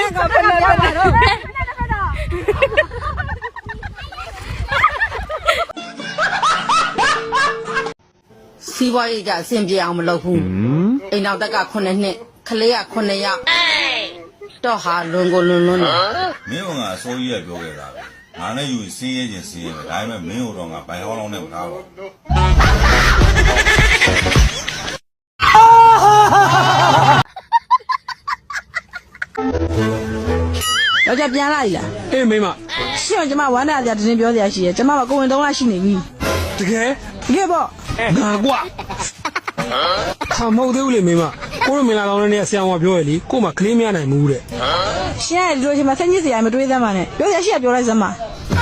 စီးပွားရေးကြအဆင်ပြေအောင်မလုပ်ဘူးအိမ်နောက်တက်က9နှစ်ခလေးက9ယောက်တော့ဟာလွန်ကိုလွန်လွန်းတယ်မင်းကအစိုးရပြောခဲ့တာပဲငါနဲ့ယူစင်းရဲချင်းစင်းရဲပဲဒါပေမဲ့မင်းတို့တော့ငါဘိုင်ဟောင်းလုံးနဲ့မထားပါယောက်ျားပြန်လာပြီလားအေးမိမရှင့်ကျမဝမ်းနာကြတင်းပြောစရာရှိရဲ့ကျမကကိုဝင်3လရှိနေပြီတကယ်ပေါ့ငါကွာဟာမဟုတ်သေးဘူးလေမိမကိုတို့မင်လာလောင်းနဲ့ဆရာမပြောရလေကို့မှာကလေးမရနိုင်ဘူးတဲ့ရှင့်ကဒီလိုချိန်မှာဆက်ညစ်စရာမတွေးသမ်းပါနဲ့ပြောစရာရှိရပြောလိုက်စမ်းပါ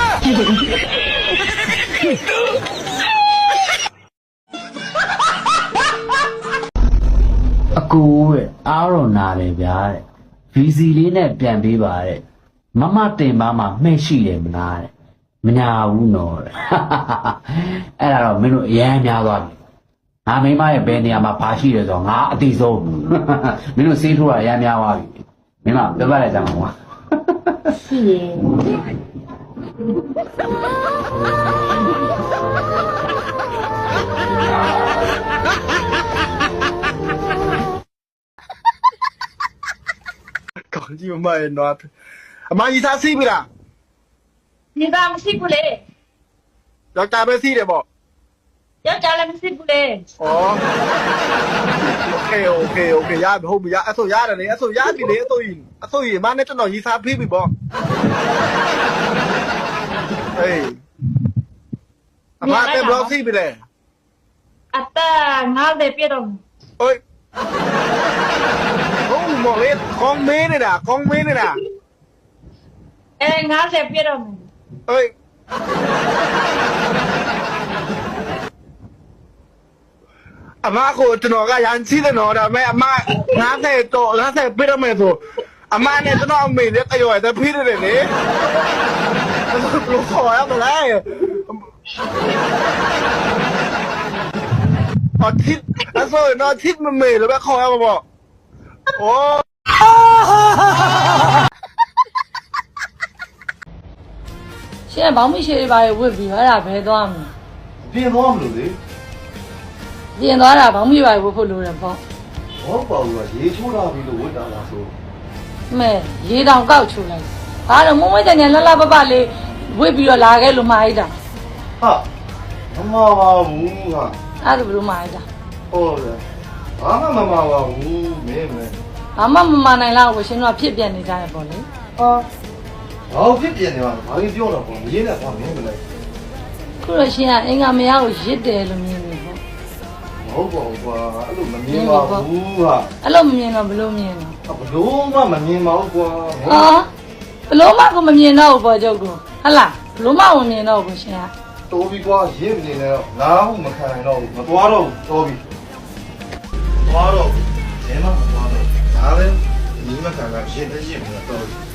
အကူတဲ့အားတော့နာတယ်ဗျာတဲ့ဗီစီလေးနဲ့ပြန်ပေးပါတဲ့မမတင်ပါမှမှဲ့ရှိတယ်မလားတဲ့မညာဘူးနော်တဲ့အဲ့ဒါတော့မင်းတို့အရန်များသွားပြီငါမိမရဲ့ဘယ်နေရာမှာဘာရှိတယ်ဆိုတော့ငါအတိဆုံးမင်းတို့စေးထိုးတာအရန်များသွားပြီမင်းမပြပလိုက်ကြမှာကွာရှိရင်ကောင်းကြီးမရဲ့နော်အမကြီးသားစီးပြီလား你爸မရှိဘူးလေယောက်ျားပဲစီးတယ်ပေါ့ယောက်ျားလည်းမရှိဘူးလေဩโอเคရဟုတ်ပြီရအဲ့ဆိုရတယ်လေအဲ့ဆိုရပြီလေအဲ့ဆိုရင်မနဲ့ကျွန်တော်ရီစားဖိပြီပေါ့ဟေးအမတဲ့ဘလော့စီးပြီလေအတာ90ပြည့်တော့ဟိုဟုတ်မော်လေကောင်းမင်းနေတာ 90ပြည့်တော့ဟေးအမကိုကျွန်တော်ကရန်စီးတယ်နော်ဒါပေမဲ့အမ90တော့90ပြတော့မယ်ဆိုအမနဲ့ကျွန်တော်အမေနဲ့တရော်တဲ့ဖိတယ်လေလို့ခေါ်ရမလားအထစ်အဲ့ဆိုတော့ထစ်မမေလို့ပဲခေါ်ရမှာပေါ့โอ้ရှင့်ဘောင်းမရှိတွေပါဝစ်ပြီးအဲ့ဒါဘယ်သွားမလဲပြင်သွားမလို့လေပြင်သွားတာဘောင်းမရှိပါဝစ်ဖို့လိုတယ်ပေါ့ဟောပေါ့ကရေချိုးတာပြီးလို့ဝစ်တာလားဆိုမဲရေတောင်ကောက်ချိုးလိုက်ဒါတော့မုံမွေးတဲ့ညလှလှပပလေးဝစ်ပြီးတော့လာခဲ့လို့မှားလိုက်တာဟာမမပါဘူးဟာအဲ့ဒါဘယ်လိုမှားလိုက်တာဟုတ်တယ်ဘာမှမမပါဘူးမင်းဘာမှမမနိုင်လောက်ကိုရှင်တို့ကဖြစ်ပြနေကြရပေါ့လေဘာဖြစ်ပြနေမှာဘာကြီးပြောတော့ပေါ့မရင်းနဲ့ဘာမင်းမလဲခုတော့ရှင်ကအင်္ဂါမရကိုရစ်တယ်လို့မြင်နေပေါ့မဟုတ်ပါဘူးကွာအဲ့လိုမမြင်ပါဘူးဟာအဲ့လိုမမြင်တော့ဘလို့မြင်တော့ဘလို့မှမမြင်ပါဘူးကွာဟာဘလို့မှကိုမမြင်တော့ဘူးပေါ့ကျုပ်ကဟလားဘလို့မှမမြင်တော့ဘူးရှင်ကတိုးပြီးကွာရစ်နေတော့ငါ့ဟုမခံနိုင်တော့ဘူးမသွားတော့ဘူးတိုးပြီးသွားတော့ဘယ်မှမသွားတော့ဒါပဲညီမခံကရစ်နေရတော့